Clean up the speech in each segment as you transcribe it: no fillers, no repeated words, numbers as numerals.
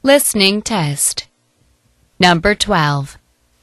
Listening test. Number 12.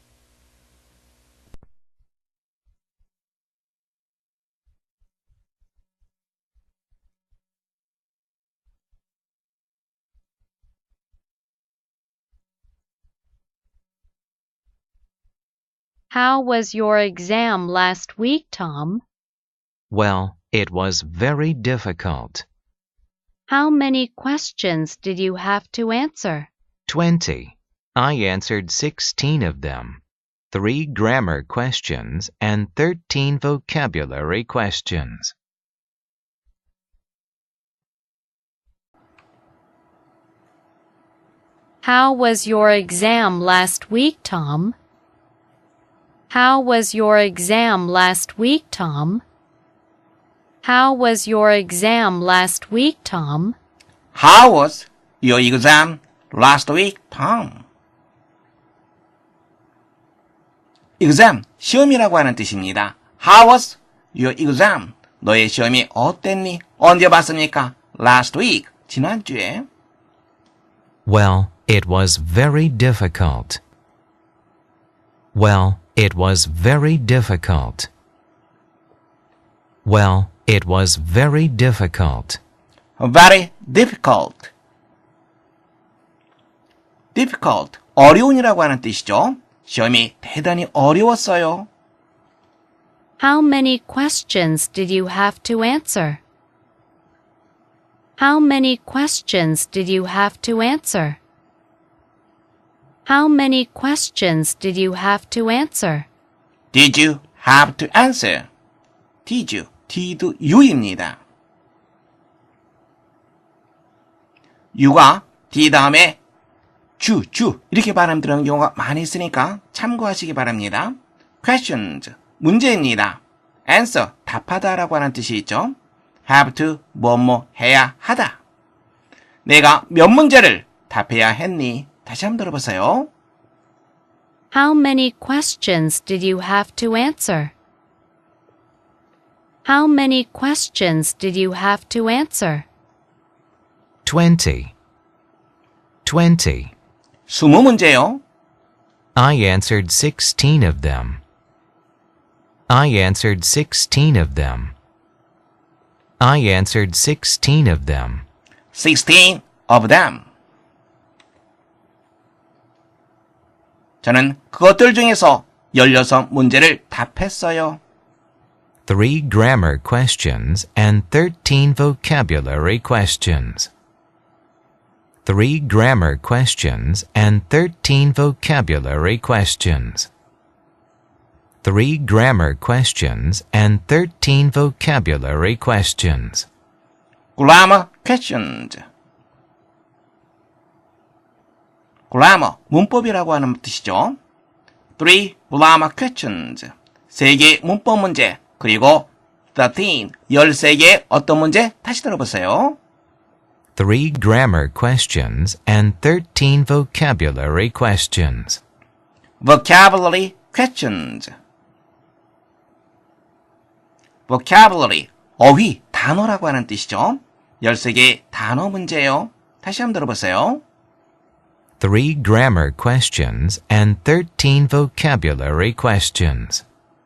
How was your exam last week, Tom? Well, it was very difficult. How many questions did you have to answer? 20. I answered 16 of them. 3 grammar questions and 13 vocabulary questions. How was your exam last week, Tom? How was your exam last week, Tom? How was your exam last week, Tom? How was your exam last week, Tom? exam, 시험이라고 하는 뜻입니다. How was your exam? 너의 시험이 어땠니? 언제 봤습니까? Last week, 지난주에. Well, it was very difficult. Well, it was very difficult. Well, it was very difficult. Very difficult. difficult, 어려운이라고 하는 뜻이죠. 시험이 대단히 어려웠어요. How many questions did you have to answer? How many questions did you have to answer? How many questions did you have to answer? Did you have to answer? Did you, did you입니다. you가 d 다음에 주 이렇게 발음 들어가는 경우가 많이 있으니까 참고하시기 바랍니다. questions, 문제입니다. answer, 답하다라고 하는 뜻이 있죠. have to, 뭐뭐 해야 하다. 내가 몇 문제를 답해야 했니? 다시 한번 들어보세요. How many questions did you have to answer? How many questions did you have to answer? 20. 20. 20문제요. I answered 16 of them. I answered 16 of them. I answered 16 of them. 16 of them. 저는 그것들 중에서 16문제를 답했어요. 3 grammar questions and 13 vocabulary questions. 3 grammar questions and 13 vocabulary questions. 3 grammar questions and 13 vocabulary questions. grammar questions. grammar, 문법이라고 하는 뜻이죠. 3 grammar questions. 3개의 문법 문제, 그리고 13, 13개의 어떤 문제? 다시 들어보세요. 3 grammar questions and 13 vocabulary questions. vocabulary questions. vocabulary, 어휘, 단어라고 하는 뜻이죠. 13개의 단어 문제예요. 다시 한번 들어보세요. 3 grammar questions and 13 vocabulary questions.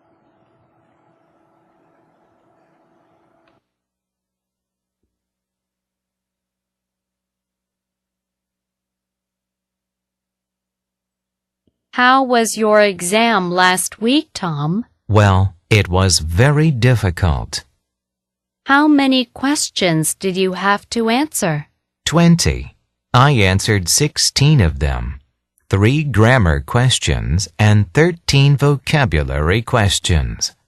How was your exam last week, Tom? Well, it was very difficult. How many questions did you have to answer? 20. I answered 16 of them. 3 grammar questions and 13 vocabulary questions.